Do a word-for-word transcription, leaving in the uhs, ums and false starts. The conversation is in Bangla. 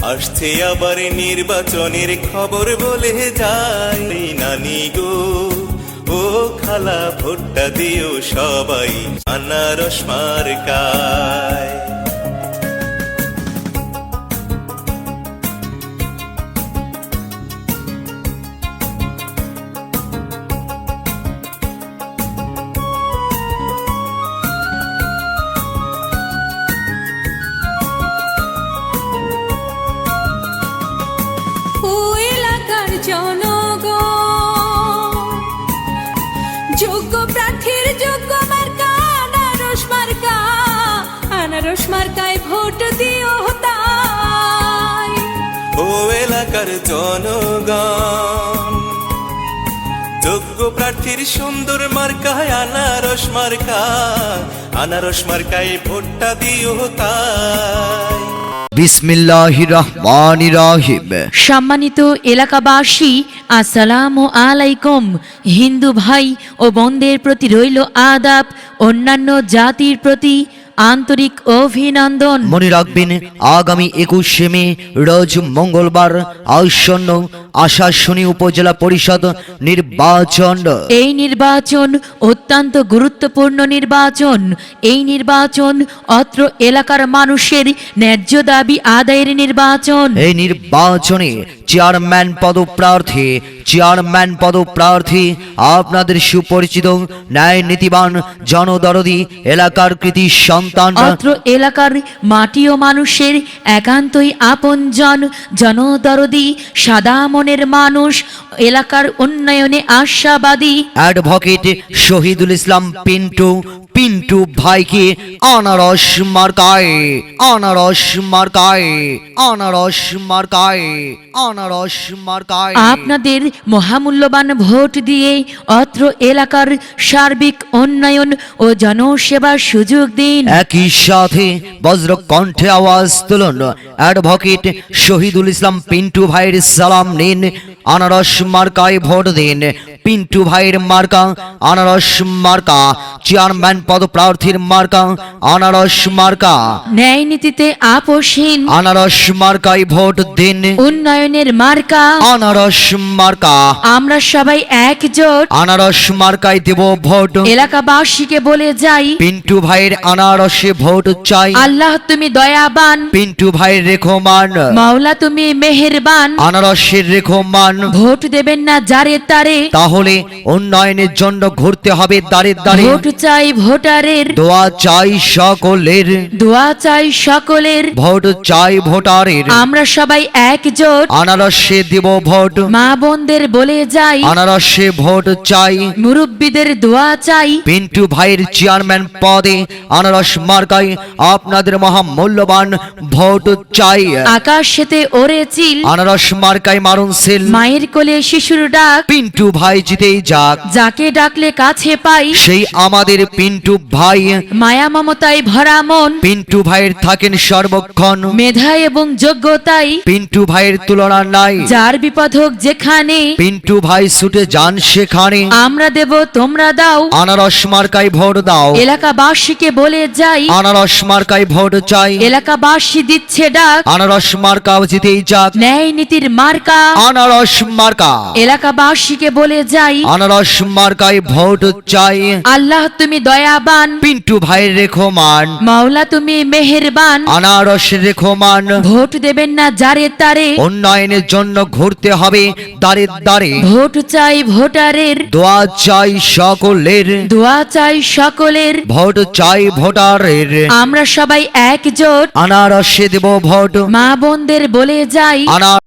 আসছে আবার নির্বাচনের খবর বলে যায় নানি গো ও খালা ভোটটা দিও সবাই আনারস মার্কায়। যোগ্য প্রার্থীর যোগ্য মার্কা আনারস মার্কা, আনারস মার্কায় ভোট দিও তাই। ও এলাকার জনগণ যোগ্য প্রার্থীর সুন্দর মার্কায় আনারস মার্কা, আনারস মার্কায় ভোটটা দিও তাই। বিসমিল্লাহির রহমানির রহিম। সম্মানিত এলাকাবাসী, আসসালামু আলাইকুম। হিন্দু ভাই ও বোনদের প্রতি রইল আদাব, অন্যান্য জাতির প্রতি আন্তরিক অভিনন্দন। মনে রাখবেন, আগামী একুশে মে রোজ মঙ্গলবার আসন্ন আশাশুনি উপজেলা পরিষদ নির্বাচন। এই নির্বাচন অত্যন্ত গুরুত্বপূর্ণ নির্বাচন। এই নির্বাচন অত্র এলাকার মানুষের ন্যায্য দাবি আদায়ের নির্বাচন। এই নির্বাচনে চেয়ারম্যান পদপ্রার্থী চেয়ারম্যান পদপ্রার্থী আপনাদের সুপরিচিত ন্যায় নীতিবান জনদরদি এলাকার কৃতি সন্তান। অত্র এলাকার মাটি ও মানুষের একান্তই আপনজন, জনদরদি সাদা মনের মানুষ, এলাকার উন্নয়নে আশাবাদী অ্যাডভোকেট শহীদুল ইসলাম পিন্টু পিন্টু ভাইকে আনারস মার্কায় আনারস মার্কায় আনারস মার্কায় আনারস মার্কায় আপনাদের মহামূল্যবান ভোট দিয়ে অত্র এলাকার সার্বিক উন্নয়ন ও জনসেবার সুযোগ দিন। একই সাথে বজ্র কণ্ঠে আওয়াজ তুলুন, অ্যাডভোকেট শহীদুল ইসলাম পিন্টু ভাইয়ের সালাম নিন, আনারস মার্কায় ভোট দিন। পিন্টু ভাইয়ের মার্কা আনারস মার্কা, চেয়ারম্যান পদপ্রার্থীর মার্কা আনারস মার্কা। ন্যায় নীতিতে আপোষহীন আনারস মার্কায় ভোট দিন, উন্নয়নের মার্কা আনারস মার্কা। আমরা সবাই একজোট আনারস মার্কায় দেব ভোট। এলাকাবাসীকে বলে যাই, পিন্টু ভাইয়ের আনারসে ভোট চাই। আল্লাহ তুমি দয়াবান, পিন্টু ভাইয়ের রেখমান, মাওলা তুমি মেহেরবান। আনারসের রেখমান। ভোট দেবেন না যারে তারে, তাহলে উন্নয়নের জন্য ঘুরতে হবে দাঁড়ে দাঁড়ে। ভোট চাই ভোটারের, দোয়া চাই সকলের, দোয়া চাই সকলের। ভোট চাই ভোটারের। আমরা সবাই একজোট আনারসে দেব ভোট। মা বোনদের বলে যাই, আনারসে ভোট চাই। মুরব্বীদের দোয়া চাই। পিন্টু ভাইয়ের চেয়ারম্যান পদে আনারস মার্কায় আপনাদের মহামূল্যবান ভোট চাই। আকাশেতে ওরে চিল, আনারস মার্কায় মারুন সেল। মায়ের কোলে শিশুর ডাক, পিন্টু ভাই জিতেই যাক, যাকে ডাকলে কাছে পাই। সেই আমাদের পিন্টু ভাই। মায়া মমতায় ভরা মন, পিন্টু ভাইয়ের থাকেন সর্বক্ষণ। মেধা এবং যোগ্যতাই পিন্টু ভাইয়ের তুলনা নাই। যার বিপদ হোক যেখানে, পিন্টু ভাই ছুটে যান সেখানে। আমরা দেব তোমরা দাও। আনারস মার্কায় ভোট দাও। এলাকাবাসীকে বলে যাই, আনারস মার্কায় ভোট চাই। এলাকাবাসী দিচ্ছে ডাক, আনারস মার্কাও জিতেই যাক, ন্যায় নীতির মার্কা। আনারস মার্কা। এলাকাবাসীকে বলে যাই, আনারস মার্কায় ভোট চাই। আল্লাহ তুমি দয়াবান, পিন্টু ভাইয়ের রেখমান, মাওলা তুমি মেহেরবান। আনারস রেখমান। ভোট দেবেন না যারে তারে, উন্নয়নের জন্য ঘুরতে হবে দাঁড়ে দাঁড়ে। ভোট চাই ভোটারের, দোয়া চাই সকলের, দোয়া চাই সকলের। ভোট চাই ভোটারের। আমরা সবাই একজোট আনারসে দেব ভোট। মা বোনদের বলে যাই, আনার